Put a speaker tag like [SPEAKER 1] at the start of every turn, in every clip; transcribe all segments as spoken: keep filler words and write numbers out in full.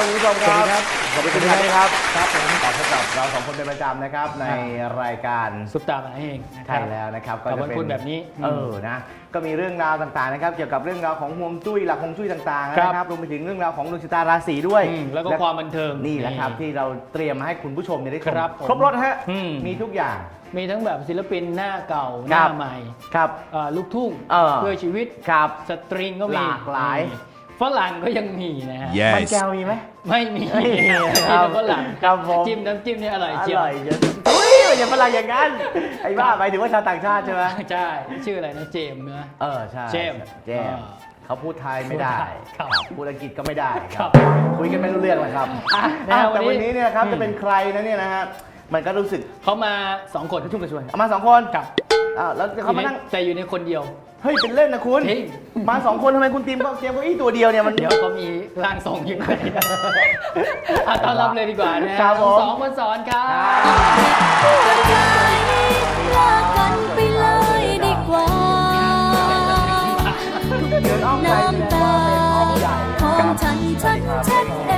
[SPEAKER 1] ครับคุณผู้ชมครับขอบคุณคุณชัยครับ
[SPEAKER 2] ครับผม
[SPEAKER 1] ต่อพบกับเราสองคนเป็นประจำนะครับในรายการ
[SPEAKER 2] ซุปตามาเองนะค
[SPEAKER 1] ใช่
[SPEAKER 2] รับ
[SPEAKER 1] แล้วนะครับ
[SPEAKER 2] กับวันพุธแบบนี้
[SPEAKER 1] เออนะก็มีเรื่องราวต่างๆนะครับเกี่ยวกับเรื่องราวของฮวงจุ้ยหลักฮวงจุ้ยต่างๆนะครับรวมไปถึงเรื่องราวของดวงชะตาราศีด้วย
[SPEAKER 2] อืมแล้วก็ความบันเทิง
[SPEAKER 1] นี่แหละครับที่เราเตรียมมาให้คุณผู้ชมเนี่ยได้ชม
[SPEAKER 2] ครับผม
[SPEAKER 1] ครบรถฮะ
[SPEAKER 2] อืม
[SPEAKER 1] มีทุกอย่าง
[SPEAKER 2] มีทั้งแบบศิลปินหน้าเก่าห
[SPEAKER 1] ครั
[SPEAKER 2] น้า
[SPEAKER 1] บ
[SPEAKER 2] ใหม่
[SPEAKER 1] ครับ
[SPEAKER 2] เอ่อลูกทุ่ง
[SPEAKER 1] เออ
[SPEAKER 2] เพื่อชีวิต
[SPEAKER 1] ครับ
[SPEAKER 2] สตริงก็มี
[SPEAKER 1] หลากหลาย
[SPEAKER 2] นี่ฝรั่งก็ยังมีนะฮะ
[SPEAKER 3] Yes
[SPEAKER 1] มันแก้วมีไหม
[SPEAKER 2] ไม่มี
[SPEAKER 1] ไม่มี
[SPEAKER 2] มี
[SPEAKER 1] ครับ
[SPEAKER 2] แต่ฝรั่ง
[SPEAKER 1] ครับผม
[SPEAKER 2] จิ้มน้ำจิ้มเนี่ยอร่อย
[SPEAKER 1] อ
[SPEAKER 2] เจียว
[SPEAKER 1] ร่อยเยอะอุ้ยอย่าฝรั่งอย่างนั้นไอ้บ้าหมายถึงว่าชาวต่างชาติใช่ไหม
[SPEAKER 2] ใช่ชื่ออะไรนะเจมส์นะ
[SPEAKER 1] เออใช่
[SPEAKER 2] เจมส์
[SPEAKER 1] เจมส์
[SPEAKER 2] อ่า
[SPEAKER 1] เขาพูดไทยไม่ได้
[SPEAKER 2] ครับ
[SPEAKER 1] พูดอังกฤษก็ไม่ได้ค
[SPEAKER 2] ครั
[SPEAKER 1] รับบ คุยกันไม่รู้เรื่องเลยครับอ่ะ
[SPEAKER 2] นะฮะ
[SPEAKER 1] แต่
[SPEAKER 2] วั
[SPEAKER 1] วัน
[SPEAKER 2] นนี้
[SPEAKER 1] นี้เนี่ยครับ
[SPEAKER 2] อืม
[SPEAKER 1] จะเป็นใครนะเนี่ยนะฮะมันก็รู้สึก
[SPEAKER 2] เขามาสองคน
[SPEAKER 1] กระชุ่มกระชวยเอามาสองคน
[SPEAKER 2] กับ
[SPEAKER 1] อ้าวแล้วเขามานั่ง
[SPEAKER 2] แต่อยู่ในคนเดียว
[SPEAKER 1] เฮ้ยเป็นเล่นนะคุณ
[SPEAKER 2] จริง
[SPEAKER 1] มาสองคนทำไมคุณทีมก็เตรียมเก้าอี้ตัวเดียวเนี่ยมัน
[SPEAKER 2] เดี๋ยวเขามีร่างทรงยังไงอ่ะต้อนรับเลยดีกว่านะครับ
[SPEAKER 1] ผม
[SPEAKER 2] สองคนสอนครับ
[SPEAKER 4] ลากันไปเลยดีกว่า
[SPEAKER 1] เดินอ้อมใจแสดงว่าเป็นอ้อมใหญ่
[SPEAKER 4] ของฉันฉันเช็ดเอง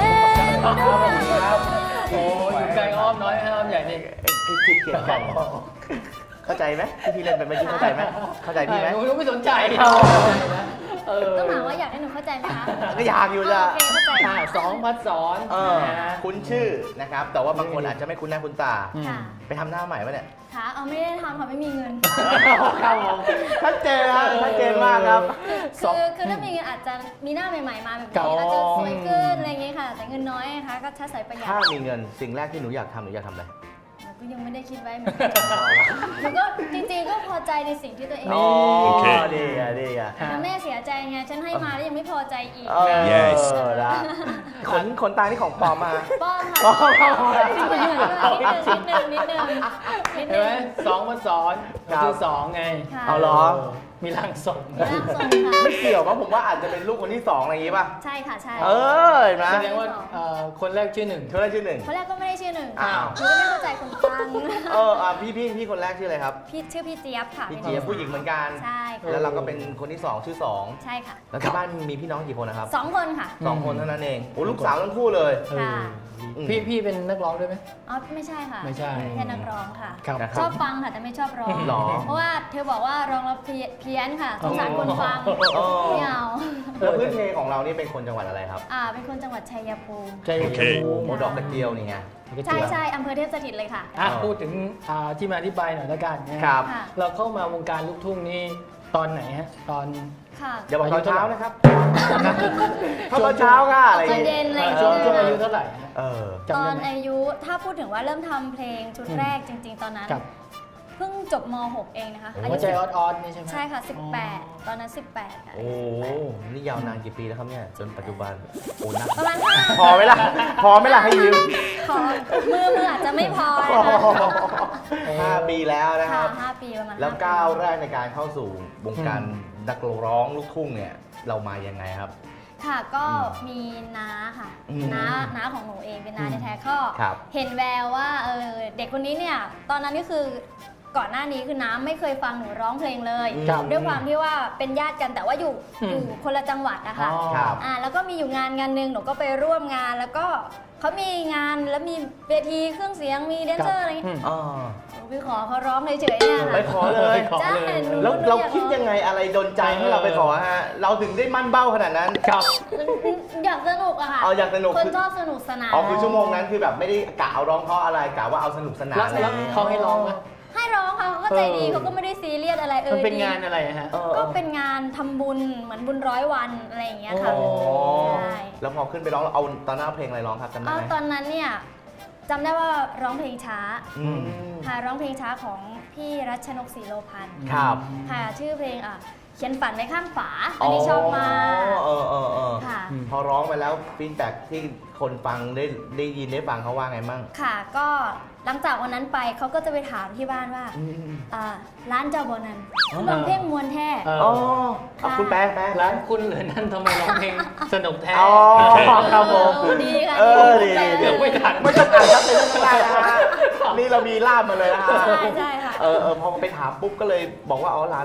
[SPEAKER 1] ครับ
[SPEAKER 2] โอ้อยู่ไกลอ้อมน้อยอ้อมใหญ่นี่
[SPEAKER 1] คือคิดเกลียดกันเข้าใจไหมที่พี่เล่นเป็นเมื่อกี้เข้าใจไหมเข้าใจพี่ไหม
[SPEAKER 2] หนูไม่สนใจเออ
[SPEAKER 4] ต้องถามว่าอยากให้หนูเข้าใจไหมคะ
[SPEAKER 1] ก็อยากอยู่จ้ะ
[SPEAKER 4] โอเคเข้าใจ
[SPEAKER 2] อ่ะ
[SPEAKER 4] ค่ะ
[SPEAKER 2] สองพัดสอน
[SPEAKER 1] เออ
[SPEAKER 2] นะ
[SPEAKER 1] คุ้นชื่อนะครับ แต่ว่าบางคนอาจจะไม่คุ้นหน้าคุ้นตา
[SPEAKER 2] อืม
[SPEAKER 4] ค่ะ
[SPEAKER 1] ไปทำหน้าใหม่ปะเนี่ย
[SPEAKER 4] ค่ะเอาไม่ได้ทำค่ะไม่มีเงิน
[SPEAKER 1] ครับผมชัดเจนครับชัดเจนมากครับ
[SPEAKER 4] คือคือถ้ามีเงินอาจจะมีหน้าใหม่ๆมาแบบ
[SPEAKER 2] ครับ
[SPEAKER 4] นี้อาจจะสวยขึ้นอะไรอย่างเงี้ยค่ะ แต่เงินน้อยนะคะก็ใช้ประหยัด
[SPEAKER 1] ถ้ามีเงินสิ่งแรกที่หนูอยากทำหนูอยากทำอะไร
[SPEAKER 4] หนูก็ยังไม่ได้คิดไว้เหมือนกันหนูก็จริงๆก็พอใจในสิ่งที่ตัวเอง
[SPEAKER 1] อ๋อ
[SPEAKER 3] โอเค
[SPEAKER 1] ดีอ่ะดีอ่ะ
[SPEAKER 4] แล้วแม่เสียใจไงฉันให้มาแล้วยังไม่พอใจอีก
[SPEAKER 1] เออ
[SPEAKER 3] Yes
[SPEAKER 1] นะขนขนตาที่ของปลอมมา
[SPEAKER 4] ป้อนค่ะ
[SPEAKER 1] ป้อน
[SPEAKER 4] นิดนึงนิดนึงนิดนึงนิด
[SPEAKER 2] เห็น
[SPEAKER 4] นึ
[SPEAKER 2] ไหม
[SPEAKER 4] ง
[SPEAKER 2] สองพัดสอน
[SPEAKER 1] ครับ
[SPEAKER 2] คือสองไง
[SPEAKER 4] ค่ะ
[SPEAKER 1] เอาเหรอ
[SPEAKER 2] มีร่างทรง
[SPEAKER 4] ร่างทรงค่ะ
[SPEAKER 1] ไม่เกี่ยวมั้งผมว่าอาจจะเป็นลูกคนที่สองอะไรอย่างงี้ป่ะ
[SPEAKER 4] ใช่ค่ะใช่
[SPEAKER 1] เออเห็นไหม
[SPEAKER 2] แสดงว่าเอ่อคนแรกชื่อหนึ่ง
[SPEAKER 1] เธอได้ชื่อหนึ่ง
[SPEAKER 4] คนแรกก็ไม่ได้ชื่อหนึ่ง
[SPEAKER 1] อ้าว
[SPEAKER 4] หนูก็ไม่เข้าใจคนฟัง
[SPEAKER 1] เอออ่ะพี่พี่พี่คนแรกชื่ออะไรครับ
[SPEAKER 4] พี่ชื่อพี่เจี๊ยบค่ะ
[SPEAKER 1] พี่เจี๊ยบผู้หญิงเหมือนกัน
[SPEAKER 4] ใช่ค่ะ
[SPEAKER 1] แล้วเราก็เป็นคนที่สองชื่อสอง
[SPEAKER 4] ใช่ค่ะ
[SPEAKER 1] แล้วที่บ้านมีพี่น้องกี่คนนะครับ
[SPEAKER 4] สองคนค่ะ
[SPEAKER 1] สองคนเท่านั้นเองโอ้ลูกสาวทั้งคู่เลย
[SPEAKER 2] เออ
[SPEAKER 4] ค่ะ
[SPEAKER 2] พี่พี่เป็นนักร้องด้วยไหม
[SPEAKER 4] อ๋อไม่ใช่ค่ะ
[SPEAKER 2] ไม่ใช่
[SPEAKER 4] แค่นักร้องค่ะ
[SPEAKER 2] ครับ
[SPEAKER 1] นะค
[SPEAKER 4] ช
[SPEAKER 1] รั
[SPEAKER 4] อ
[SPEAKER 1] บบ
[SPEAKER 4] ฟังค่ะแต่ไม่ชอบร้อง
[SPEAKER 1] หรอ
[SPEAKER 4] เพราะว่าเธอบอกว่าร้องแล้วเพี้ยเพี้ยนค่ะสงสารคนฟัง
[SPEAKER 1] อ๋อ
[SPEAKER 4] ไม่เอา
[SPEAKER 1] แล้วพื้นเพของเรานี่เป็นคนจังหวัดอะไรครับ
[SPEAKER 4] อ่าเป็นคนจังหวัดชัยภูมิ
[SPEAKER 2] ใช่
[SPEAKER 3] โอเค
[SPEAKER 1] โอ้โหดอกกระเจียวนี่ไง
[SPEAKER 4] ใช่ใช่อำเภอเทพสถิตเลยค่ะ
[SPEAKER 2] อ่ะ
[SPEAKER 1] เออ
[SPEAKER 2] พูดถึงอ่าที่มาที่ไปหน่อยละกันนะครับ
[SPEAKER 4] ค่ะ
[SPEAKER 2] เราเข้ามาวงการลูกทุ่งนี่ตอนไหนฮะตอน
[SPEAKER 4] ค่ะ
[SPEAKER 1] อย่าบอกตอนเช้านะครับเข้าตอนเช้าค่ะอะไรอ
[SPEAKER 4] ต
[SPEAKER 1] ย่า
[SPEAKER 4] อง น
[SPEAKER 1] งี้
[SPEAKER 4] เย็นอะไรอย่าง
[SPEAKER 2] ช่วงช่วง
[SPEAKER 4] เงี้
[SPEAKER 2] อายุ
[SPEAKER 4] ย
[SPEAKER 2] เท่าไหร่ฮะ
[SPEAKER 1] เออ
[SPEAKER 2] จำ
[SPEAKER 4] ตอ
[SPEAKER 2] ได้
[SPEAKER 4] น
[SPEAKER 2] ไหม
[SPEAKER 4] อายุถ้าพูดถึงว่าเริ่มทำเพลงชุด
[SPEAKER 2] อืม
[SPEAKER 4] แรกจริง ๆ ตอนนั้น
[SPEAKER 2] กับ
[SPEAKER 4] เพิ่งจบม หก เองนะคะอา
[SPEAKER 2] หั
[SPEAKER 4] ยุ
[SPEAKER 2] วใจ
[SPEAKER 4] สิบ
[SPEAKER 2] ออดออดนี่ใช่ไหม
[SPEAKER 4] ใช่ค่ะ สิบแปด ตอนนั้น สิบแปดค่ะ
[SPEAKER 1] โอ้นี่ยาวนานกี่ปีแล้วครับเนี่ยจนปัจจุบันโอ้นัก
[SPEAKER 4] ประมาณห้า
[SPEAKER 1] พอไหมล่ะพอไหมล่ะให้ยืม
[SPEAKER 4] ขอมือมืออาจจะไม่พอนะคะ
[SPEAKER 1] ห้าปีแล้วนะค
[SPEAKER 4] ค่ะ
[SPEAKER 1] รับ
[SPEAKER 4] ห้าปีประมาณ
[SPEAKER 1] แล้ว
[SPEAKER 4] ห้ปี
[SPEAKER 1] ก้าวแรกในการเข้าสู่วงการนักร้องลูกทุ่งเนี่ยเรามายังไงครับ
[SPEAKER 4] ค่ะก็มีน้าค่ะ
[SPEAKER 1] อืม
[SPEAKER 4] น้าน้าของหนูเองเป็นน้า
[SPEAKER 2] อืม
[SPEAKER 4] แท้ๆก็
[SPEAKER 1] ครับ
[SPEAKER 4] เห็นแววว่าเออเด็กคนนี้เนี่ยตอนนั้นก็คือก่อนหน้านี้คือน้าไม่เคยฟังหนูร้องเพลงเลย
[SPEAKER 1] ครับ
[SPEAKER 4] ด้วยความที่ว่าเป็นญาติกันแต่ว่าอยู่
[SPEAKER 2] อืม
[SPEAKER 4] อยู่คนละจังหวัดนะคะ
[SPEAKER 2] อ๋อ
[SPEAKER 1] ครับ
[SPEAKER 4] อ่าแล้วก็มีอยู่งานงานหนึ่งหนูก็ไปร่วมงาน แล้วก็เขามีงานแล้วมีเวทีเครื่องเสียงมีแดนเซอร์อะไรอย่าง
[SPEAKER 2] อื
[SPEAKER 4] เงี้ย
[SPEAKER 2] ม
[SPEAKER 1] อ๋อ
[SPEAKER 4] หนูไปขอเขาร้องเฉยๆเนี่ย
[SPEAKER 1] ไป
[SPEAKER 4] ค่ะ
[SPEAKER 1] ขอเลย
[SPEAKER 2] ขอ
[SPEAKER 4] ใช่
[SPEAKER 2] เลย
[SPEAKER 4] หนู
[SPEAKER 1] แล้วเราคิดยังไงอะไรดนใจให้เราไปขอฮะเราถึงได้มั่นเบ้าขนาดนั้น
[SPEAKER 2] ครับ
[SPEAKER 4] อยากสนุกอะค่ะ
[SPEAKER 1] เอาอยากสนุก
[SPEAKER 4] คนชอบสนุกสนาน
[SPEAKER 1] อ๋อคือชั่วโมงนั้นคือแบบไม่ได้กะเอาร้องเพราะอะไรกะว่าเอาสนุกสนาน
[SPEAKER 2] แล้ว
[SPEAKER 1] อะไรอ
[SPEAKER 2] แล้ว
[SPEAKER 1] ย่างเงี้ย
[SPEAKER 2] เขาให้ร้องไหม
[SPEAKER 4] ให้ร้องค่ะเขาก็ใจดี
[SPEAKER 2] เออ
[SPEAKER 4] เขาก็ไม่ได้ซีเรียสอะไรเอ
[SPEAKER 2] มัน
[SPEAKER 4] อ
[SPEAKER 2] เป็น
[SPEAKER 4] ดี
[SPEAKER 2] งานอะไรฮะ
[SPEAKER 1] เออ
[SPEAKER 4] ก็เป็นงานทำบุญเหมือนบุญร้อยวันอะไรอย่างเงี้ยค่ะ
[SPEAKER 1] อ๋อ
[SPEAKER 4] ใช่
[SPEAKER 1] แล้วพอขึ้นไปร้องเอาตอนหน้าเพลงอะไรร้องครับจำได้
[SPEAKER 4] เอา
[SPEAKER 1] ไหม
[SPEAKER 4] ตอนนั้นเนี่ยจำได้ว่าร้องเพลงช้า
[SPEAKER 1] อืม
[SPEAKER 4] ค่ะร้องเพลงช้าของพี่รัชนกศรีโลพันธ์
[SPEAKER 1] ครับ
[SPEAKER 4] ค่ะชื่อเพลงอ่ะเขียนฝันไว้ข้างฝาอันนี้ชอบมาก
[SPEAKER 1] เออเออเออ
[SPEAKER 4] ค่ะ
[SPEAKER 1] พอร้องไปแล้วฟีดแบ็กที่คนฟังได้ได้ยินได้ฟังเขาว่าไงมั่ง
[SPEAKER 4] ค่ะก็หลังจากวันนั้นไปเขาก็จะไปถามที่บ้านว่าอ่าร้านเจ้าบอนันคือร้องเพลงมวนแท้
[SPEAKER 2] เออ
[SPEAKER 1] อ๋อเอาคุณแป๊ะแป๊ะ
[SPEAKER 2] ร้านคุณเหรือนั่นทำไมร้องเพลงสนุกแท้
[SPEAKER 1] อ๋อครับผม
[SPEAKER 4] เออดีค่ะ
[SPEAKER 1] เออดี
[SPEAKER 4] แปล
[SPEAKER 1] ดี
[SPEAKER 2] เดี๋ยวไม่ทัน
[SPEAKER 1] ไม่ต้องอ่านครับเป็นเรื่องแรกนะฮะนี่เรามีล่ามมาเลยนะฮะ
[SPEAKER 4] ใช่ใช่ค่ะ
[SPEAKER 1] เออเออพอไปถามปุ๊บก็เลยบอกว่าอ๋อร้าน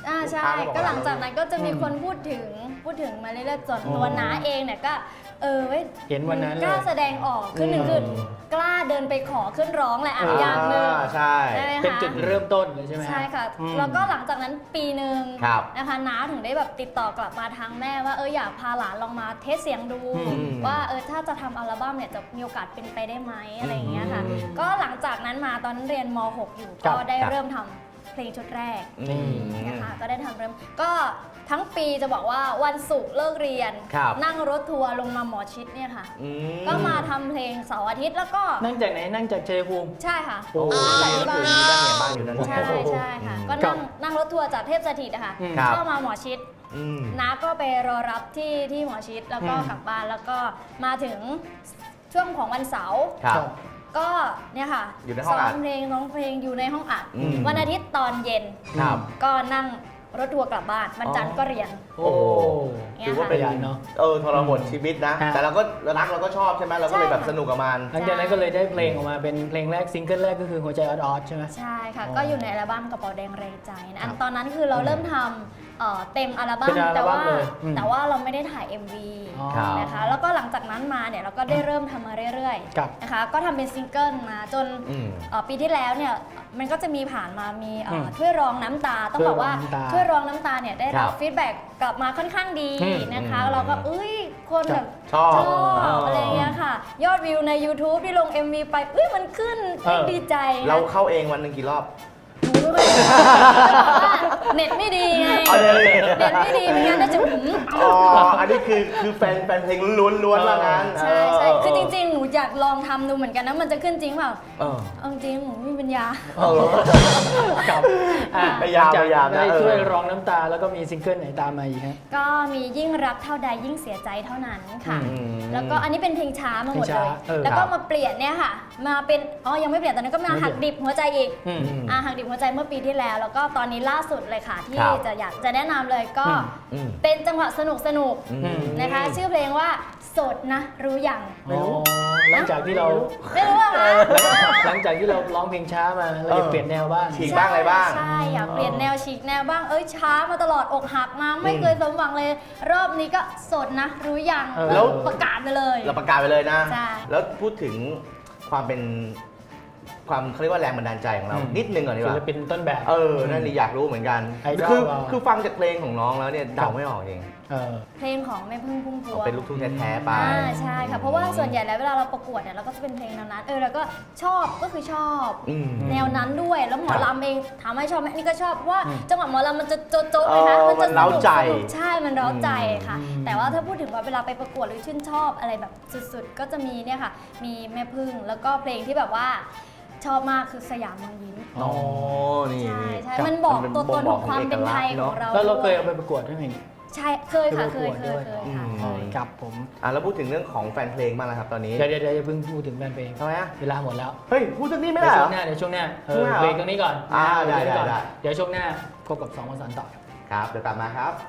[SPEAKER 4] อ่าใช่
[SPEAKER 1] ลูค้บอ
[SPEAKER 4] ก็หลังจาก
[SPEAKER 1] ว่
[SPEAKER 4] นั้นก็จะมีคนพูดถึงพูดถึงมาเรื่อยๆส่วนตัวน้าเองเนี่ยก็เออเว้ย
[SPEAKER 2] เห็นวันนั้นเลย
[SPEAKER 4] กล้าแสดงออกคือหนึ่งคือกล้าเดินไปขอขึ้นร้องแหละอ่ะอย่างหนึ่ง
[SPEAKER 1] ใช่
[SPEAKER 4] ใช่ไหมคะ
[SPEAKER 2] เป็นจุดเริ่มต้นเลยใช่ไหมฮ
[SPEAKER 4] ใช่ค่ะ
[SPEAKER 2] อืม
[SPEAKER 4] แล้วก็หลังจากนั้นปีหนึ่ง
[SPEAKER 1] ครับ
[SPEAKER 4] นะคะน้าถึงได้แบบติดต่อกลับมาทางแม่ว่าเอออยากพาหลานลองมาเทสเสียงดู
[SPEAKER 2] อืม
[SPEAKER 4] ว่าเออถ้าจะทำอัลบั้มเนี่ยจะมีโอกาสเป็นไปได้ไหมอะไรอย่างเงี้ยค่ะ
[SPEAKER 2] อืม
[SPEAKER 4] ก็หลังจากนั้นมาตอนนั้นเรียนม หก อยู่
[SPEAKER 2] ครั
[SPEAKER 4] ก็
[SPEAKER 2] บ
[SPEAKER 4] ได้
[SPEAKER 1] ครับ
[SPEAKER 4] เริ่มทำเพลงชุดแรก
[SPEAKER 1] อืม
[SPEAKER 4] นะคะก็ได้ทำเริ่มก็ทั้งปีจะบอกว่าวันศุกร์เลิกเรียน
[SPEAKER 1] ครับ
[SPEAKER 4] นั่งรถทัวร์ลงมาหมอชิดเนี่ยค่ะ
[SPEAKER 1] อื
[SPEAKER 4] ก็มาทำเพลงเสาร์อาทิตย์แล้วก็
[SPEAKER 2] นั่งจากไหนนั่งจากชัยภูมิ
[SPEAKER 4] ใช่ค่ะ
[SPEAKER 2] โอ้
[SPEAKER 4] นั่งจากที่บ้าน
[SPEAKER 1] คือมีบ้านเนี่ยบ้านอยู่นั่น
[SPEAKER 4] ใช่ใช่ค่ะ ก็
[SPEAKER 2] ครั
[SPEAKER 4] นั่
[SPEAKER 2] บ
[SPEAKER 4] งนั่งรถทัวร์จากเทพสถิตอะค่ะ
[SPEAKER 2] อืม
[SPEAKER 1] ครับ
[SPEAKER 4] เข้ามาหมอชิด
[SPEAKER 1] อืม
[SPEAKER 4] น้าก็ไปรอรับที่ที่หมอชิดแล้วก็
[SPEAKER 2] อืม
[SPEAKER 4] กลับบ้านแล้วก็มาถึงช่วงของวันเสาร์
[SPEAKER 1] ครับ
[SPEAKER 4] ก็เนี่ยค่ะ
[SPEAKER 1] อยู่ในห้องอัด
[SPEAKER 4] ซ้มเพลงร้องเพลงอยู่ในห้องอัด
[SPEAKER 1] อืม
[SPEAKER 4] วันอาทิตย์ตอนเย็น
[SPEAKER 1] ครับ
[SPEAKER 4] ก็นั่งรถทัวร์กลับบ้านวันจันทร์ก็เรียน
[SPEAKER 2] โอ้
[SPEAKER 1] ถือว่าเป็น
[SPEAKER 2] ขยันเนอะ
[SPEAKER 1] เออทรหดชีวิตนะ
[SPEAKER 2] ฮะ
[SPEAKER 1] แต่เราก็รักเราก็ชอบใช่ไหมเราก็เลย
[SPEAKER 4] ใช่
[SPEAKER 1] แบบ
[SPEAKER 4] ค่ะ
[SPEAKER 1] สนุกกับมัน
[SPEAKER 2] หลังจากนั้นก็เลยได้เพลงออกมาเป็นเพลงแรกซิงเกิลแรกก็คือหัวใจออดๆใช่ไหม
[SPEAKER 4] ใช่ค่ะ
[SPEAKER 2] อ๋อ
[SPEAKER 4] ก็อยู่ในอัลบั้มกระเป๋าแดงแรงใจนะอัน
[SPEAKER 2] ครับ
[SPEAKER 4] ตอนนั้นคือเราเริ่มทำเอ่อเต็มอัลบั้
[SPEAKER 2] เป็
[SPEAKER 4] ม
[SPEAKER 2] นอัล
[SPEAKER 4] แต่
[SPEAKER 2] บั้ม
[SPEAKER 4] ว่า
[SPEAKER 2] เลยอืม
[SPEAKER 4] แต่ว่าเราไม่ได้ถ่าย เอ็ม วี
[SPEAKER 2] อ๋อ
[SPEAKER 1] ครับ
[SPEAKER 4] นะคะแล้วก็หลังจากนั้นมาเนี่ยเราก็ได้เริ่มทำมาเรื่อย
[SPEAKER 2] ครับ
[SPEAKER 4] ๆนะคะก็ทำเป็นซิงเกิลมาจน
[SPEAKER 1] อืม
[SPEAKER 4] เอ่อปีที่แล้วเนี่ยมันก็จะมีผ่านมามีเอ่ออ
[SPEAKER 2] ม
[SPEAKER 4] ถ้วยรองน้ำตา ต้องบอกว่า
[SPEAKER 2] ถ้วยรองน้ำตา
[SPEAKER 4] ถ้วยรองน้ำตาเนี่ยได้
[SPEAKER 1] ครั
[SPEAKER 4] รับบ ฟีดแบ็กกลับมาค่อนข้างดี
[SPEAKER 2] อืม
[SPEAKER 4] นะคะ
[SPEAKER 1] อืม
[SPEAKER 4] เราก็เอ้ยคนแบบ
[SPEAKER 1] ชอบ
[SPEAKER 4] ชอบ
[SPEAKER 1] เอออ
[SPEAKER 4] อะไรเงี้ยค่ะ ยอดวิวใน YouTube ที่ลง เอ็ม วี ไปเอ้ยมันขึ้น
[SPEAKER 2] เออ
[SPEAKER 4] ดีใจนะ
[SPEAKER 1] เราเข้าเองวันหนึ่งกี่รอบ
[SPEAKER 4] หนูไม่ค่อยได้แต่ว่าเน็ตไม่ดีไง
[SPEAKER 1] เอาเลย
[SPEAKER 4] เน็ตไม่ดีไม่งั้นน่าจะหืม
[SPEAKER 1] อ๋อ อันนี้คือคือแฟนแฟนเพลงล้วนๆว่างั้น
[SPEAKER 4] ใช่ใช่
[SPEAKER 1] เ
[SPEAKER 4] คือจริงๆ หนูอยากลองทำดูเหมือนกันนะ มันจะขึ้นจริงเปล่า
[SPEAKER 1] เออ
[SPEAKER 4] เอาจริงหนูไม่มีปัญญา
[SPEAKER 1] เออ
[SPEAKER 2] กับอ่ะ
[SPEAKER 1] พยายาม
[SPEAKER 2] หลังจก
[SPEAKER 1] พยายามนะ
[SPEAKER 2] ได้
[SPEAKER 1] เออ
[SPEAKER 2] ช่วยร้องน้ำตาแล้วก็มีซิงเกิลไหนตามมาอีกฮะ
[SPEAKER 4] ก็มียิ่งรักเท่าใดยิ่งเสียใจเท่านั้นค่ะ
[SPEAKER 2] อื
[SPEAKER 1] ม
[SPEAKER 4] แล้วก็อันนี้เป็นเพลงช้ามาหมด
[SPEAKER 2] เพลง
[SPEAKER 4] เล
[SPEAKER 2] ช้าย เออ
[SPEAKER 4] แล้วก็
[SPEAKER 1] ครับ
[SPEAKER 4] มาเปลี่ยนเนี่ยค่ะ มาเป็นอ๋อยังไม่เปลี่ยนตอนนั้นก็มา
[SPEAKER 2] ไม่เปลี่
[SPEAKER 4] หั
[SPEAKER 2] ย
[SPEAKER 4] ก
[SPEAKER 2] น
[SPEAKER 4] ดิบหัวใจอีก
[SPEAKER 2] อืม
[SPEAKER 4] อ่าหักดิบหัวใจเมื่อปีที่แล้ว แล้วก็ตอนนี้ล่าสุดเลยค่ะ ที่
[SPEAKER 1] ครับ
[SPEAKER 4] จะอยากจะแนะนำเลยก็
[SPEAKER 2] อืม
[SPEAKER 1] อืม
[SPEAKER 4] เป็นจังหวะสนุกสนุกๆ
[SPEAKER 1] อืม
[SPEAKER 4] นะคะ ชื่อเพลงว่าโสดนะรู้ยัง
[SPEAKER 2] อ๋อหลังจากที่เรา
[SPEAKER 4] ไม่รู้อะคะ
[SPEAKER 2] หลังจากที่เราร้องเพลงช้ามาเราอยากเปลี่ยนแนวบ้าง
[SPEAKER 1] ฉีกบ้างอะไรบ้าง
[SPEAKER 4] ใช่อยากเปลี่ยนแนวฉีกแนวบ้างเอ้ยช้ามาตลอดอกหักมาไม่เคยสมหวังเลย รอบนี้ก็โสดนะ รู้ยัง
[SPEAKER 2] เออ
[SPEAKER 1] แล้ว
[SPEAKER 4] ประกาศไปเลย
[SPEAKER 1] เราประกาศไปเลยนะ
[SPEAKER 4] ใช่
[SPEAKER 1] แล้วพูดถึงความเป็นความเขาเรียกว่าแรงบันดาลใจของเรา
[SPEAKER 2] อืม
[SPEAKER 1] นิดนึงก่อนดีก
[SPEAKER 2] ศิ
[SPEAKER 1] ว่า
[SPEAKER 2] ลปินต้นแบบ
[SPEAKER 1] เออ นั่นนี่อยากรู้เหมือนกัน
[SPEAKER 2] ไอดอล
[SPEAKER 1] คือ
[SPEAKER 2] เรา
[SPEAKER 1] คือฟังจากเพลงของน้องแล้วเนี่ยเดาไม่ออกเอง
[SPEAKER 2] เออ
[SPEAKER 4] เพลงของแม่พึ่งพุ่มพวง
[SPEAKER 1] เป็นลูกทุ่งแท้ๆไป
[SPEAKER 4] อ่าใช่ค่ะเพราะว่าส่วนใหญ่แล้วเวลาเราประกวดเนี่ยเราก็จะเป็นเพลงแนวนั้นเออแล้วก็ชอบก็คือชอบ
[SPEAKER 1] อืม
[SPEAKER 4] แนวนั้นด้วยแล้วหมอ
[SPEAKER 1] ครับ
[SPEAKER 4] ลำเองถามว่าชอบไหมอันนี่ก็ชอบเพราะว่า
[SPEAKER 2] อืม
[SPEAKER 4] จังหวะหมอลำมันจะโจ๊ะๆเลยนะ
[SPEAKER 1] เออ
[SPEAKER 4] มันจะ
[SPEAKER 1] มันเร้าใจ
[SPEAKER 4] สนุกใช่มันเร้าใจค่ะ
[SPEAKER 2] อืม
[SPEAKER 4] แต่ว่าถ้าพูดถึงว่าเวลาไปประกวดหรือชื่นชอบอะไรแบบสุดๆ ก็จะมีเนี่ยค่ะ มีแม่พึ่งแล้วก็เพลงที่แบบว่าชอบมากคือสยามเมืองยิ้ม
[SPEAKER 1] อ๋อ นี่
[SPEAKER 4] ใช่
[SPEAKER 1] นี่
[SPEAKER 4] ใช่
[SPEAKER 1] ครับ
[SPEAKER 4] มันบอก
[SPEAKER 1] เป็น
[SPEAKER 4] ตัวตนของความเป็นไทยของเรา
[SPEAKER 2] แล้วเราเคย
[SPEAKER 4] ด้
[SPEAKER 2] เอา
[SPEAKER 4] ว
[SPEAKER 2] ไปประกวดด้วยไหม
[SPEAKER 4] ใช่เคยค่ะเคย
[SPEAKER 2] เคย
[SPEAKER 4] เค
[SPEAKER 2] ประกวดด้วย
[SPEAKER 4] ยเคยค่ะ
[SPEAKER 1] อืม
[SPEAKER 4] เคย
[SPEAKER 2] ครับผม
[SPEAKER 1] อ่ะแล้วพูดถึงเรื่องของแฟนเพลงบ้างแล้วครับตอนนี้
[SPEAKER 2] เดี๋ยวเดี๋ยวเดี๋ยวอย่าเพิ่งพูดถึงแฟนเพลง
[SPEAKER 1] ทำไมอ่ะ
[SPEAKER 2] เวลาหมดแล้ว
[SPEAKER 1] เฮ้ย พูดสักนิดไม่
[SPEAKER 2] เดี๋
[SPEAKER 1] ได้
[SPEAKER 2] ยว
[SPEAKER 1] เหร
[SPEAKER 2] ช่ว
[SPEAKER 1] อง
[SPEAKER 2] หน้าเดี๋ยวช่วงหน้าเอ
[SPEAKER 1] ช่วง
[SPEAKER 2] อ
[SPEAKER 1] หน้าเหรอ
[SPEAKER 2] เบรกตรงนี้ก่อน
[SPEAKER 1] อ่า
[SPEAKER 2] เบรกตรงนี้ก่อน
[SPEAKER 1] ได้ได้
[SPEAKER 2] เดี๋ยวช่วงหน้าพบกับสองวันสันต่อครับ
[SPEAKER 1] ครับ เดี๋ยวกลับมาครับ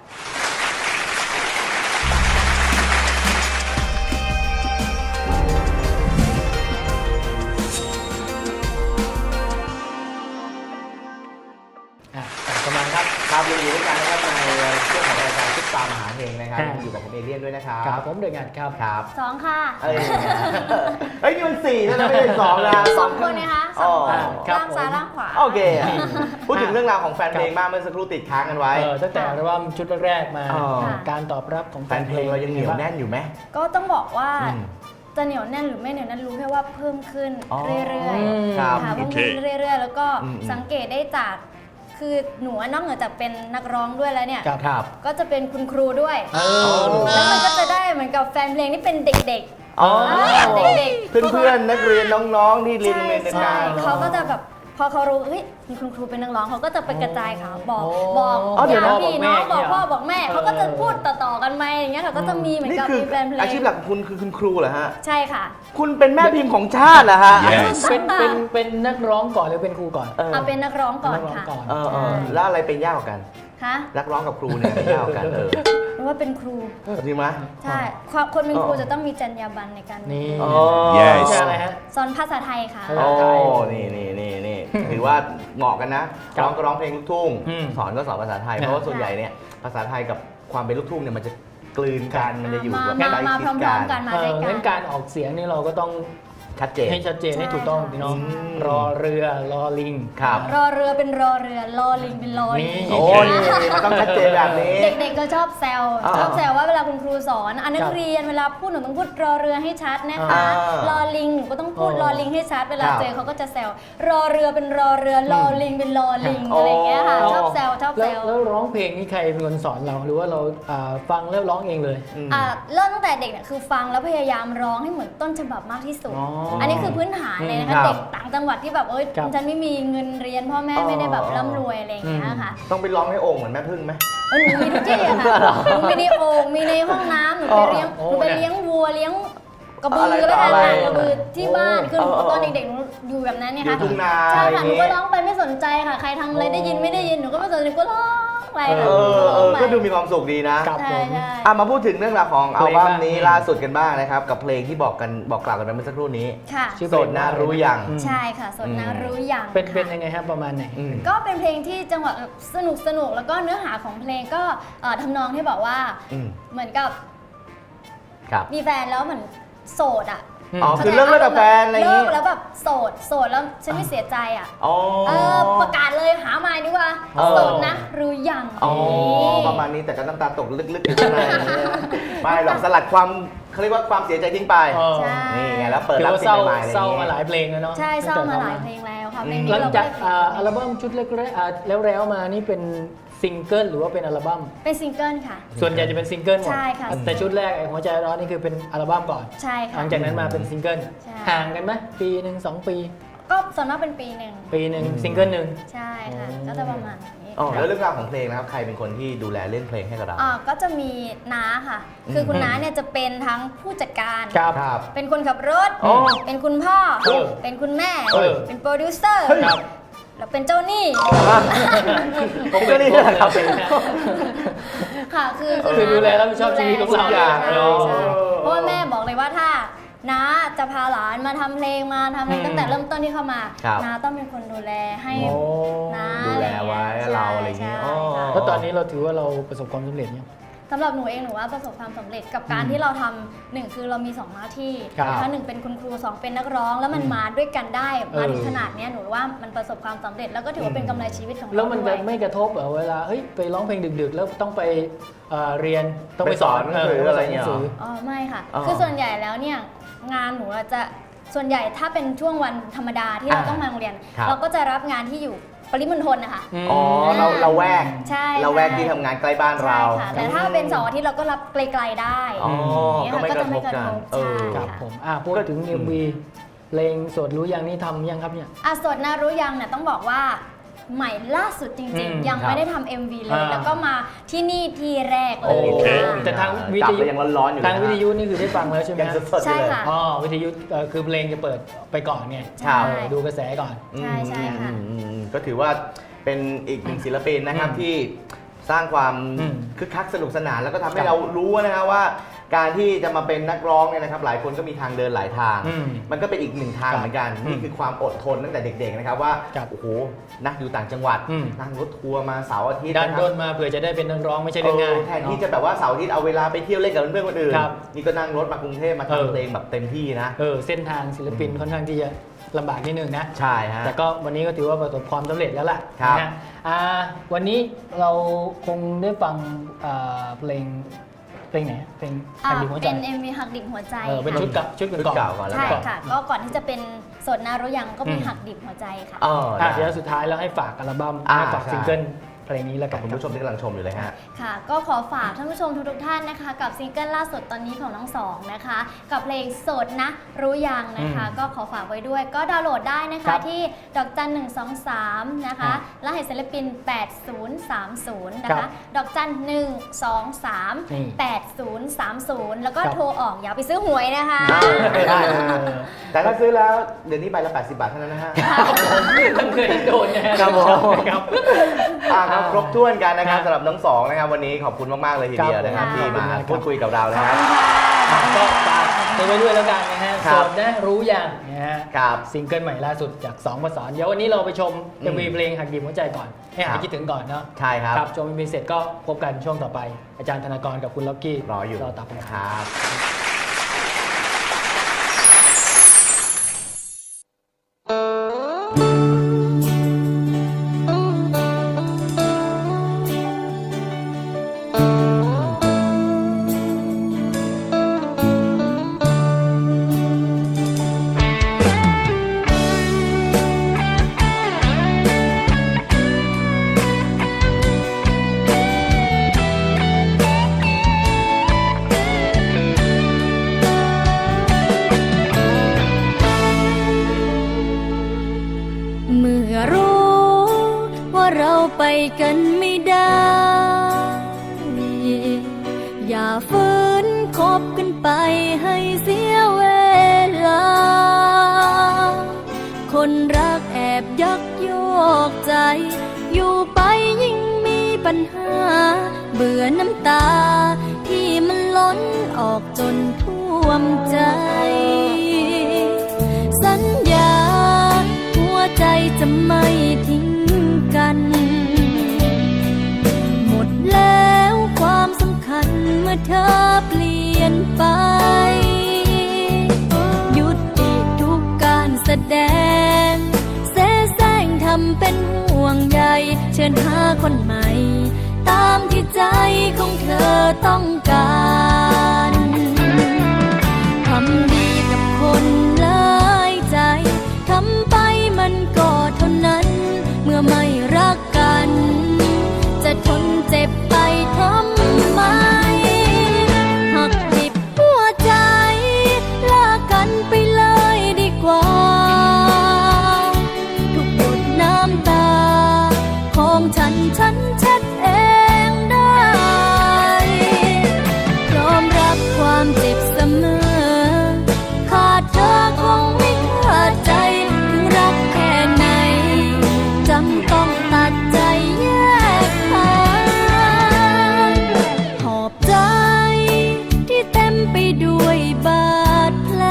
[SPEAKER 2] อ่ะกลับมาครับ
[SPEAKER 1] ครับยังอยู่ด้วยกันนะครับในช่วงของรายการซุปตามหาเฮงนะครับ
[SPEAKER 2] ครับ
[SPEAKER 1] อยู่กับผมเอเลี่ยนด้วยนะครับ
[SPEAKER 2] ครับผมเดือนงานครับ
[SPEAKER 1] ครับ
[SPEAKER 4] สองค่ะ
[SPEAKER 1] เอ้ยเฮ้ยนี่มันสี่แล้วนะไม่ใช่สองนะ
[SPEAKER 4] สองคนนะคะสองคน
[SPEAKER 1] อ๋อครับ
[SPEAKER 4] ล่างซ้ายล่างขวา
[SPEAKER 1] โอเค พูดถึงเรื่องราวของแฟนเพลงบ้างเมื่อสักครู่ติดค้างกันไว้
[SPEAKER 2] เออตั้งแต่อัลบั้มชุดแรกๆมา
[SPEAKER 1] อ๋อ
[SPEAKER 2] การตอบรับของ
[SPEAKER 1] แฟนเพลงเรายังเหนียวแน่นอยู่ไหม
[SPEAKER 4] ก็ต้องบอกว่า
[SPEAKER 1] อืม
[SPEAKER 4] จะเหนียวแน่นหรือไม่เหนียวแน่นรู้แค่ว่าเพิ่มขึ้น
[SPEAKER 1] อ๋อ
[SPEAKER 4] เรื่อย
[SPEAKER 2] อืม
[SPEAKER 1] ครับ
[SPEAKER 4] ๆค่ะเพิ่มขึ้นเรื่อยๆ แล้วก็
[SPEAKER 1] อืม
[SPEAKER 4] สังเกตได้จากคือหนูนอกเหนือจากเป็นนักร้องด้วยแล้วเนี่ย
[SPEAKER 2] ครับ
[SPEAKER 1] ครับ
[SPEAKER 4] ก็จะเป็นคุณครูด้วย
[SPEAKER 2] เออ
[SPEAKER 4] แล้วมันก็จะได้เหมือนกับแฟนเพลงที่เป็นเด็ก
[SPEAKER 1] อ๋อ
[SPEAKER 4] อ่าเด็กๆ
[SPEAKER 1] เพื่อนๆนักเรียนน้องๆที่
[SPEAKER 4] ๆ
[SPEAKER 1] เรียน
[SPEAKER 4] ใช่
[SPEAKER 1] โรงเรียนเดียว
[SPEAKER 4] ใช่
[SPEAKER 1] กัน
[SPEAKER 4] เขาก็จะแบบพอเขารู้เฮ้ยมีคุณครูเป็นนักร้องเขาก็จะไปกระจายข่าวบอก
[SPEAKER 2] โอ้
[SPEAKER 4] บอก
[SPEAKER 1] อ๋อเดี๋ยว
[SPEAKER 4] ญา
[SPEAKER 1] นะ
[SPEAKER 4] ติพี่น้องบอกพ่อบอกแม่
[SPEAKER 2] เออ
[SPEAKER 4] เขาก็จะพูดต่อๆกันไปอย่างเงี้ยเขาก็จะมีเหมือน
[SPEAKER 1] นี่
[SPEAKER 4] กับ
[SPEAKER 1] คือ
[SPEAKER 4] มีแฟนเพลง
[SPEAKER 1] อาชีพหลักของคุณคือคุณครูเหรอฮะ
[SPEAKER 4] ใช่ค่ะ
[SPEAKER 1] คุณเป็นแม่พิมพ์ของชาติเหรอฮะ
[SPEAKER 3] Yes
[SPEAKER 2] เป็นเป็นเป็นนักร้องก่อนหรือเป็นครูก่อน
[SPEAKER 1] เออ
[SPEAKER 4] เอาเป็นนักร้องก่อน
[SPEAKER 2] นักร้อง
[SPEAKER 4] ค่ะ
[SPEAKER 2] ก่อน
[SPEAKER 1] เออเออแล้วอะไรเป็นยากกว่ากัน
[SPEAKER 4] คะ
[SPEAKER 1] นักร้องกับครูเนี่ยเป็นยากกว่ากันเออ
[SPEAKER 4] เพราะว่าเป็นครู
[SPEAKER 1] จริงไหม
[SPEAKER 4] ใช่ความคนเป็นครู
[SPEAKER 1] อ๋อ
[SPEAKER 4] จะต้องมีจรรยาบรรณในการ
[SPEAKER 2] นี่
[SPEAKER 1] อ๋อ
[SPEAKER 3] Yes
[SPEAKER 2] ใช่อะไรฮะ
[SPEAKER 4] สอนภาษาไทยค่ะ
[SPEAKER 2] ภา
[SPEAKER 1] โอ้
[SPEAKER 2] ษาไทย
[SPEAKER 1] นี่นี่นี่นี่ถือว่าเหมาะกันนะ
[SPEAKER 2] ครับ
[SPEAKER 1] ร้องก็ร้องเพลงลูกทุ่ง
[SPEAKER 2] อืม
[SPEAKER 1] สอนก็สอนภาษาไทย
[SPEAKER 2] นะ
[SPEAKER 1] เพราะว่าส่วนใหญ่เนี่ยภาษาไทยกับความเป็นลูกทุ่งเนี่ยมันจะกลืนกันมันจะอยู่
[SPEAKER 4] มา
[SPEAKER 1] แบบ
[SPEAKER 4] มา
[SPEAKER 1] ใกล้
[SPEAKER 4] มา
[SPEAKER 1] ชิ
[SPEAKER 4] พ
[SPEAKER 1] ด
[SPEAKER 4] ร้
[SPEAKER 1] กั
[SPEAKER 4] อมๆกัน
[SPEAKER 1] น
[SPEAKER 4] มา
[SPEAKER 2] เอ
[SPEAKER 4] ด้ว
[SPEAKER 2] อย
[SPEAKER 4] กั
[SPEAKER 2] งั้
[SPEAKER 4] น
[SPEAKER 2] นการออกเสียงนี่เราก็ต้อง
[SPEAKER 1] ชัดเจน
[SPEAKER 2] ให้ชัดเจนให้ถูกต้องพี่น้อง
[SPEAKER 1] อืม
[SPEAKER 2] รอเรือรอลิง
[SPEAKER 1] ครับ
[SPEAKER 4] รอเรือเป็นรอเรือรอลิงเป็นรอลิง
[SPEAKER 2] นี่
[SPEAKER 1] โอ้นี่มันต้องชัดเจนแบบนี้
[SPEAKER 4] เด็กๆก็ชอบแซว
[SPEAKER 1] อ่า
[SPEAKER 4] ชอบแซวว่าเวลาคุณครูสอนอันนั
[SPEAKER 2] ค
[SPEAKER 4] ก
[SPEAKER 2] รับ
[SPEAKER 4] เรียนเวลาพูดหนูต้องพูดรอเรือให้ชัดนะคะ
[SPEAKER 1] อ่าร
[SPEAKER 4] อลิงหนูก็ต้องพูด
[SPEAKER 2] อ๋อ
[SPEAKER 4] รอลิงให้ชัด เวลา
[SPEAKER 1] ครับ
[SPEAKER 4] เจอเขาก็จะแซวรอเรือเป็นรอเรือรอลิงเป็นรอลิง
[SPEAKER 1] อ๋ออ
[SPEAKER 4] อะไรอย่างเงี้ยค่ะชอบแซวชอบ
[SPEAKER 2] แล้
[SPEAKER 4] แซ
[SPEAKER 2] ว
[SPEAKER 4] ว
[SPEAKER 2] แล้วร้องเพลงนี่ใครเป็นคนสอนเราหรือว่าเราอ่าฟังแล้วร้องเองเลย
[SPEAKER 1] อืม
[SPEAKER 4] อ่าเริ่มตั้งแต่เด็กเนี่ยคือฟังแล้วพยายามร้องให้เหมือนต้นฉบับมากที่สุด
[SPEAKER 2] อ๋ออั
[SPEAKER 4] อันนี้คือพื้นฐานเลยนะ
[SPEAKER 1] ครั
[SPEAKER 4] คะ
[SPEAKER 1] บ
[SPEAKER 4] เด็กต่างจังหวัดที่แบบเอ้ย
[SPEAKER 2] ครับ
[SPEAKER 4] ฉันไม่มีเงินเรียนพ่อแม่
[SPEAKER 1] อ๋อ
[SPEAKER 4] ไม่ได้แบบร่ำรวยอะไรอย่างเงี้ยค่ะ
[SPEAKER 1] ต้องไปร้องให้โองค์เหมือนแม่พึ่งไหม
[SPEAKER 4] เออหนูมีทุกที่อะค่ะหนูมีในโอ่งมีในห้องน้ำหนูไปเลี้ยง
[SPEAKER 2] โอ้
[SPEAKER 4] หนูไป
[SPEAKER 2] เนี่ย
[SPEAKER 4] เลี้ยงวัวเลี้ยงกระบื
[SPEAKER 1] อะไร
[SPEAKER 4] อแล้วกัน
[SPEAKER 1] อะไร
[SPEAKER 4] ค่ะกระบือที่บ้านคือหนู
[SPEAKER 1] เออเออ
[SPEAKER 4] ตอนเด็กๆหนูอยู่แบบนั้นเนี่ย
[SPEAKER 1] อยู่
[SPEAKER 4] ค่ะ
[SPEAKER 1] ทุ่งนา
[SPEAKER 4] ใช่
[SPEAKER 1] อะไรอ
[SPEAKER 4] ค่ะ
[SPEAKER 1] ย่าง
[SPEAKER 4] หนู
[SPEAKER 1] งี้
[SPEAKER 4] ก็ร้องไปไม่สนใจค่ะใครทำอะไรได้ยินไม่ได้ยินหนูก็ไม่สนใจหนูก็ร้องไป
[SPEAKER 1] เอ
[SPEAKER 4] ค่ะ
[SPEAKER 1] อเออ
[SPEAKER 4] ร้
[SPEAKER 1] ก็
[SPEAKER 4] องไป
[SPEAKER 1] ดูมีความสุขดีนะ
[SPEAKER 2] ครับ
[SPEAKER 4] ใช่
[SPEAKER 2] ผม
[SPEAKER 4] ใช่
[SPEAKER 1] อ่ะมาพูดถึงเรื่องราวของ
[SPEAKER 2] เพ
[SPEAKER 1] อั
[SPEAKER 2] ล
[SPEAKER 1] ล
[SPEAKER 2] ง
[SPEAKER 1] บั้ม
[SPEAKER 2] บ้าง
[SPEAKER 1] นี้ล่าสุดกันบ้างนะครับ กับเพลงที่บอกกันบอกกล่าวกันไปเมื่อสักครู่นี้
[SPEAKER 4] ค่ะ
[SPEAKER 2] ชื่อ
[SPEAKER 1] โสดน่ารู้ยัง
[SPEAKER 2] อืม
[SPEAKER 4] ใช่ค่ะสดนะ
[SPEAKER 1] อืม
[SPEAKER 4] รู้อย่าง
[SPEAKER 2] เป็นเป็น
[SPEAKER 4] ค่ะ
[SPEAKER 2] ยังไงครับประมาณไหน
[SPEAKER 1] อืม
[SPEAKER 4] ก็เป็นเพลงที่จังหวะสนุกสนุกแล้วก็เนื้อหาของเพลงก็เอ่อทำนองที่บอกว่า
[SPEAKER 1] อืม
[SPEAKER 4] เหมือนกับ
[SPEAKER 1] ครับ
[SPEAKER 4] มีแฟนแล้วเหมือนโสดอ่ะ
[SPEAKER 1] อ๋อคือเลิกเลิกกับแฟนอะไรอย่าง
[SPEAKER 4] เลิ
[SPEAKER 1] งี้
[SPEAKER 4] กแล้วแบบโสดโสดแล้วฉันไม่เสียใจอ่ะ
[SPEAKER 1] อ๋อ
[SPEAKER 4] เออประกาศเลยหาใหม่ดีกว่า
[SPEAKER 1] เออ
[SPEAKER 4] โสดนะรู้ยัง
[SPEAKER 1] อ๋อประมาณนี้แต่ก็น้ำตาตกลึกๆอยู่ข้างในไม่หรอกสลัดความเขาเรียกว่าความเสียใจทิ้งไป
[SPEAKER 2] เออ
[SPEAKER 4] ใช่
[SPEAKER 1] นี่ไงแล้วเปิด
[SPEAKER 2] ถือ
[SPEAKER 1] รับ
[SPEAKER 2] ว่า
[SPEAKER 1] สิ่
[SPEAKER 2] เศร้าง
[SPEAKER 1] ใหม่ๆอะไรอ
[SPEAKER 2] เศร้า
[SPEAKER 1] ย่าง
[SPEAKER 2] มา
[SPEAKER 1] เงี้
[SPEAKER 2] หลาย ยเพลงแล้วเนาะ
[SPEAKER 4] ใช่เศร้ามาหลาย
[SPEAKER 2] ตั้ง
[SPEAKER 4] เพ
[SPEAKER 2] แต่
[SPEAKER 4] ลงแล้วค่ะเพลง
[SPEAKER 1] อืม
[SPEAKER 4] นี้
[SPEAKER 2] หลัง
[SPEAKER 4] เราก็
[SPEAKER 2] จาก
[SPEAKER 4] ได้
[SPEAKER 2] อ่าอัลบั้มชุดแรกๆอ่าแล้วแล้วมานี่เป็นซิงเกิลหรือว่าเป็นอัลบั้ม
[SPEAKER 4] เป็นซิงเกิลค่ะ
[SPEAKER 2] ส่วนใหญ่จะเป็นซิงเกิลหมด
[SPEAKER 4] ใช่ค่ะ
[SPEAKER 2] แต่ชุดแรกไอ้หัวใจร้อนนี่คือเป็นอัลบั้มก่อน
[SPEAKER 4] ใช่
[SPEAKER 2] ห
[SPEAKER 4] ค่ะ
[SPEAKER 2] ลังจากนั้นมาเป็นซิงเกิล
[SPEAKER 4] ใช่
[SPEAKER 2] ห่างกันไหมปีหนึ่งสองปี
[SPEAKER 4] ก็ส่วนมากเป็นปีหนึ่ง
[SPEAKER 2] ปีหนึ่งซิงเกิลหนึ่ง
[SPEAKER 4] ใช่ค่ะ
[SPEAKER 2] อืม
[SPEAKER 4] ก็จะประมาณนี้
[SPEAKER 1] อ๋อแล้วเรื่องราวของเพลงนะครับใครเป็นคนที่ดูแลเรื่องเพลงให้กับเรา
[SPEAKER 4] อ่าก็จะมีน้าค่ะ
[SPEAKER 1] อืม
[SPEAKER 4] คือคุณน้าเนี่ยจะเป็นทั้งผู้จัดการ
[SPEAKER 2] ครับ
[SPEAKER 1] ครับ
[SPEAKER 4] เป็นคนขับรถ
[SPEAKER 1] อ๋อ
[SPEAKER 4] เป็นคุณพ่อ
[SPEAKER 2] เออ
[SPEAKER 4] เป็นคุณแม่
[SPEAKER 2] เออ
[SPEAKER 4] เป็นโปรดิวเซอร์
[SPEAKER 2] ครับ
[SPEAKER 4] แล้วเป็นเจ้าหนี้
[SPEAKER 1] ผมก็นี่แหละครับ
[SPEAKER 4] ค่ะ คือ
[SPEAKER 2] คือดูแลรับผิดชอบชีวิตของเรา
[SPEAKER 4] ใช่
[SPEAKER 1] อย่าง
[SPEAKER 4] ใช่
[SPEAKER 1] เนอะ
[SPEAKER 4] ใช่เพราะว่าแม่บอกเลยว่าถ้าน้าจะพาหลานมาทำเพลงมาทำอะไร
[SPEAKER 2] อืม
[SPEAKER 4] ตั้งแต่เริ่มต้นที่เข้ามา
[SPEAKER 1] ครับ
[SPEAKER 4] น้าต้องเป็นคนดูแลให้
[SPEAKER 2] โอ้
[SPEAKER 4] น้า
[SPEAKER 1] ดูแลไว้เราอะไรอย่างงี้
[SPEAKER 4] ใช่
[SPEAKER 1] อ๋อ
[SPEAKER 4] ค่ะ
[SPEAKER 2] แล้วตอนนี้เราถือว่าเราประสบความสำเร็จเนี่ยง
[SPEAKER 4] สำหรับหนูเองหนูว่าประสบความสำเร็จกับการ
[SPEAKER 2] อืม
[SPEAKER 4] ที่เราทำหนึ่งคือเรามีสองหน้าที่
[SPEAKER 2] ครับ
[SPEAKER 4] นะคะหนึ่งเป็นคุณครูสองเป็นนักร้อง แล้วมัน
[SPEAKER 2] อืม
[SPEAKER 4] มาด้วยกันได้มา
[SPEAKER 2] เออ
[SPEAKER 4] ถึงขนาดเนี้ยหนูว่ามันประสบความสำเร็จแล้วก็ถือว่าเป็นกำไรชีวิตของเรา
[SPEAKER 2] แล้วมัน
[SPEAKER 4] ด้
[SPEAKER 2] จะ
[SPEAKER 4] วย
[SPEAKER 2] ไม่กระทบเหรอเวลาเฮ้ยไปร้องเพลงดึกๆ แล้วต้องไปเอ่อเรียนต้องไป
[SPEAKER 1] ไปสอนหนังสืออะไรเงี้ยเหรอ
[SPEAKER 4] อ๋อไม่ค่ะ
[SPEAKER 1] อ๋อ
[SPEAKER 4] คือส่วนใหญ่แล้วเนี่ยงานหนูอะจะส่วนใหญ่ถ้าเป็นช่วงวันธรรมดาที่เรา
[SPEAKER 1] อ่า
[SPEAKER 4] ต้องมาโรงเรียน
[SPEAKER 1] ครับ
[SPEAKER 4] เราก็จะรับงานที่อยู่ปริมณฑลนะคะ
[SPEAKER 2] ม
[SPEAKER 1] อ๋อเราเราแวก
[SPEAKER 4] ใช่
[SPEAKER 1] เราแวก
[SPEAKER 4] ใช่
[SPEAKER 1] ที่ทำงานใกล้บ้านเรา
[SPEAKER 4] ใช่ค่ะแต่ถ้าเป็นเสาร์อาทิตย์เราก็รับไกลๆได้
[SPEAKER 1] อ๋อ
[SPEAKER 4] เนี่ย
[SPEAKER 1] ก็
[SPEAKER 4] ค่ะ
[SPEAKER 1] ไม่
[SPEAKER 4] ก็
[SPEAKER 1] ก
[SPEAKER 4] จะ
[SPEAKER 1] ระท
[SPEAKER 4] ไม่
[SPEAKER 1] บ
[SPEAKER 4] กระ
[SPEAKER 1] กัน
[SPEAKER 4] ทบ
[SPEAKER 1] เออ
[SPEAKER 4] ใช่
[SPEAKER 2] ครับผมอ่ะพูดถึง
[SPEAKER 1] อืม
[SPEAKER 2] เอ็ม วี เพลงโสดรู้ยังนี่ทำยังครับเนี่ย
[SPEAKER 4] อ่ะสดนะรู้ยังเนี่ยต้องบอกว่าใหม่ล่าสุดจริง
[SPEAKER 2] อืม
[SPEAKER 4] ๆ ยัง
[SPEAKER 1] ครับ
[SPEAKER 4] ไม่ได้ทำ เอ็ม วี เลย
[SPEAKER 2] อ่า
[SPEAKER 4] แล้วก็มาที่นี่ทีแรกเล
[SPEAKER 2] โอย เค
[SPEAKER 4] ค่ะ
[SPEAKER 2] แต่ทางวิ
[SPEAKER 1] จับ
[SPEAKER 2] ทยุ
[SPEAKER 1] ไปยังร้อนๆอยู่
[SPEAKER 2] ทาง
[SPEAKER 1] นะ
[SPEAKER 2] วิทยุนี่คือได้ฟังแล้วใช่ไหม
[SPEAKER 1] ยัง
[SPEAKER 2] ฮะ
[SPEAKER 1] สดๆอยู่
[SPEAKER 4] ใช่
[SPEAKER 1] เลย
[SPEAKER 4] ค่ะ
[SPEAKER 2] อ๋อวิทยุเอ่อคือเพลงจะเปิดไปก่อนไง
[SPEAKER 4] ใช่
[SPEAKER 2] เออดูกระแสก่อน
[SPEAKER 4] ใช่ใช่ค่ะ
[SPEAKER 1] อืมอืมอืมก็ถือว่าเป็นอีกหนึ่งศิลปินนะครับ
[SPEAKER 2] อืม
[SPEAKER 1] ที่สร้างความ
[SPEAKER 2] อืม
[SPEAKER 1] คึกคักสนุกสนาน แล้วก็ทำให้
[SPEAKER 2] ครับ
[SPEAKER 1] เรารู้นะครับว่า การที่จะมาเป็นนักร้องเนี่ยนะครับ หลายคนก็มีทางเดินหลายทาง
[SPEAKER 2] อืม
[SPEAKER 1] มันก็เป็นอีกหนึ่งทาง
[SPEAKER 2] ครับ
[SPEAKER 1] เหมือนกัน
[SPEAKER 2] อืม
[SPEAKER 1] นี่คือความอดทนตั้งแต่เด็กๆนะครับว่า
[SPEAKER 2] ครับ
[SPEAKER 1] โอ้โหนักอยู่ต่างจังหวัด
[SPEAKER 2] อืม
[SPEAKER 1] นั่งรถทัวร์มาเสาร์อาทิตย์
[SPEAKER 2] ดัน
[SPEAKER 1] นะค
[SPEAKER 2] ด้
[SPEAKER 1] รับ
[SPEAKER 2] นมาเผื่อจะได้เป็นนักร้องไม่ใช่เรื่องง่าย
[SPEAKER 1] เออแทนที่จะแบบว่าเสาร์อาทิตย์เอาเวลาไปเที่ยวเล่นกับเพื่อนๆคนอื่น
[SPEAKER 2] ครับ
[SPEAKER 1] นี่ก็นั่งรถมากรุงเทพมา
[SPEAKER 2] เออ
[SPEAKER 1] ทำเพลงแบบเต็มที่นะ
[SPEAKER 2] เออเส้นทางศิลปิน
[SPEAKER 1] อืม
[SPEAKER 2] ค่อนข้างที่จะลำบากนิดนึงนะ
[SPEAKER 1] ใช่ฮะ
[SPEAKER 2] แต่ก็วันนี้ก็ถือว่าประสบความสำเร็จแล้วล่ะ
[SPEAKER 1] ครับ
[SPEAKER 2] นะฮะอ่าวันนี้เราคงได้ฟังอ่าเพลงเพลงไหนเพลง
[SPEAKER 4] อ่า
[SPEAKER 2] หักดิบหัวใจ
[SPEAKER 4] เป็น เอ็ม วี หักดิบหัวใจ
[SPEAKER 2] เออเป็น
[SPEAKER 4] ค่ะ
[SPEAKER 2] ชุดกับชุด
[SPEAKER 1] ชุด
[SPEAKER 2] ก่อน
[SPEAKER 1] เก่าก่อนแล้ว
[SPEAKER 4] ใช่
[SPEAKER 1] กัน
[SPEAKER 4] ค่ะ ก็ก่อนที่จะเป็นสดนะรู้ยังก็มี
[SPEAKER 2] อืม
[SPEAKER 4] หักดิบหัวใจค่ะ
[SPEAKER 1] เออ
[SPEAKER 2] อ่ะ
[SPEAKER 1] นะ
[SPEAKER 2] เดี๋ยวสุดท้ายแล้วให้ฝากอัลบั้ม
[SPEAKER 1] อ่า
[SPEAKER 2] ให้ฝาก
[SPEAKER 1] ใช่
[SPEAKER 2] ซิงเกิลเพลงนี้แล้ว
[SPEAKER 1] กั
[SPEAKER 2] กับ น
[SPEAKER 1] คุณ
[SPEAKER 2] ครับ
[SPEAKER 1] ผู้ชมที่กำลังชมอยู่เลยฮะ
[SPEAKER 4] ค่ะ ก็ขอฝากท่านผู้ชมทุกๆท่านนะคะ กับซิงเกิลล่าสุดตอนนี้ของน้องสองนะคะ กับเพลงโสดนะรู้ยังนะคะ
[SPEAKER 2] อืม
[SPEAKER 4] ก็ขอฝากไว้ด้วย ก็ดาวน์โหลดได้นะ
[SPEAKER 2] ครั
[SPEAKER 4] คะ
[SPEAKER 2] บ
[SPEAKER 4] ที่ดอกจันหนึ่งสองสามนะคะ
[SPEAKER 2] ครับ
[SPEAKER 4] รหัสศิลปิน แปดศูนย์สามศูนย์ นะ
[SPEAKER 2] ครั
[SPEAKER 4] คะ
[SPEAKER 2] บ
[SPEAKER 4] ดอกจันหนึ่งสองสาม
[SPEAKER 2] นี่
[SPEAKER 4] แปดศูนย์สามศูนย์แล้วก็
[SPEAKER 2] ครับ
[SPEAKER 4] โทรออกอย่าไปซื้อหวยนะคะ
[SPEAKER 1] ได้ฮะแต่ถ้าซื้อแล้วเดี๋ยวนี้ใบละแปดสิบบาทเท่านั้นนะฮะ
[SPEAKER 2] ผมเคยโดนนะฮะ
[SPEAKER 1] ครับผม
[SPEAKER 2] ครับ
[SPEAKER 1] อ่าครับครบถ้วนกันนะครับ
[SPEAKER 2] ครับ
[SPEAKER 1] สำหรับน้องสองนะครับวันนี้ขอบคุณมาก ๆ เลยทีเดียวนะครับ
[SPEAKER 2] ครับ
[SPEAKER 1] ที่มา
[SPEAKER 2] ขอบคุณมากครับ
[SPEAKER 1] พูดคุยกับเรานะครับ
[SPEAKER 4] ขอบคุณค่ะ
[SPEAKER 2] ก็ฝากติดไว้ด้วยแล้วกันนะฮะ
[SPEAKER 1] ครั
[SPEAKER 2] โส
[SPEAKER 1] บ
[SPEAKER 2] ดนะรู้ยังนะฮะ
[SPEAKER 1] ครับ
[SPEAKER 2] ซิงเกิลใหม่ล่าสุดจากสองประสานเดี๋ยววันนี้เราไปชม
[SPEAKER 1] อืม
[SPEAKER 2] เอ็มวีเพลงหักดิบหัวใจก่อนให้หา
[SPEAKER 1] ครั
[SPEAKER 2] ย
[SPEAKER 1] บ
[SPEAKER 2] คิดถึงก่อนเนาะ
[SPEAKER 1] ใช่ครับ
[SPEAKER 2] ครับชมเอ็มวีเสร็จก็พบกันช่วงต่อไปอาจารย์ธนากรกับคุณล็อกกี้
[SPEAKER 1] รออยู่
[SPEAKER 2] รอตับนะ
[SPEAKER 1] ค
[SPEAKER 2] ครับ
[SPEAKER 1] รับ
[SPEAKER 4] เมื่อรู้ว่าเราไปกันไม่ได้ อย่าฝืนคบกันไปให้เสียเวลา คนรักแอบยักยอกใจ อยู่ไปยิ่งมีปัญหา เบื่อน้ำตาที่มันล้นออกจนท่วมใจ สัญญาหัวใจจะไม่ทิ้งกัน หมดแล้วความสำคัญเมื่อเธอเปลี่ยนไป หยุดอีกทุกการแสดงเสแสร้งทำเป็นห่วงใยเชิญหาคนใหม่ ตามที่ใจของเธอต้องการทำดีกับคนหลายใจ ทำไปมันก็เท่านั้น เมื่อไม่รักกัน จะทนเจ็บไปทำไม หักดิบหัวใจลากันไปเลยดีกว่า ทุกหยดน้ำตาของฉันฉันเช็ดเองได้ พร้อมรับความเจ็บเสมอ ขาดเธอคงไม่ขาดใจ ถึงรักแค่ไหน จำต้องตัดใจแยกทางหอบใจที่เต็มไปด้วยบาดแผล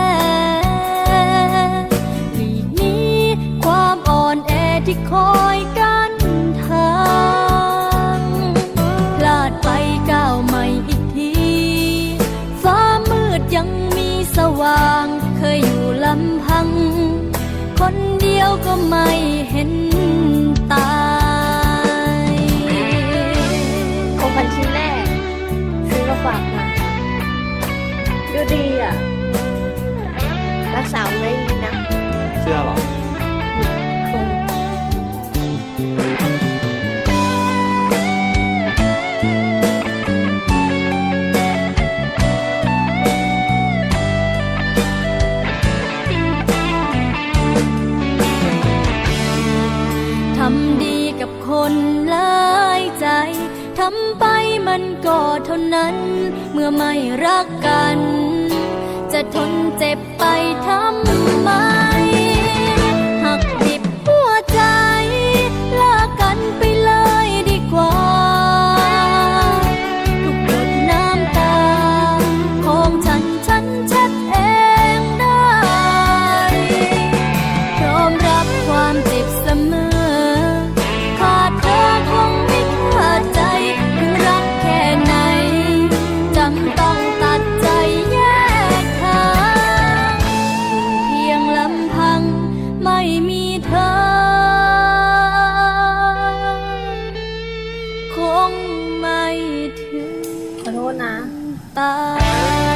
[SPEAKER 4] หลีกหนี้ความอ่อนแอที่คอยกันทางพลาดไปก้าวใหม่อีกที ฟ้ามืดยังมีสว่าง เคยอยู่ลำพัง คนเดียวก็ไม่เห็นตาย
[SPEAKER 3] ของขวัญชิ้นแรกซื้อมาฝากมาดูดีอ่ะ รักษาไว้ดีนะ
[SPEAKER 1] เชื่อหรอ
[SPEAKER 3] คง
[SPEAKER 4] ทำดีกับคนหลายใจ ทำไปมันก็เท่านั้น เมื่อไม่รักกัน จะทนเจ็บไปทำไม หักดิบหัวใจลากันไปเลยดีกว่า ทุกหยดน้ำตาของฉันฉันเช็ดเองได้ พร้อมรับความเจ็บเสมอ ขาดเธอคงไม่ขาดใจ ถึงรักแค่ไหน จำต้องตัดใจแยกทางอยู่เพียงลำพังไม่มีเธอ คงไม่ถึง
[SPEAKER 3] ขอโทษนะ
[SPEAKER 4] ตาย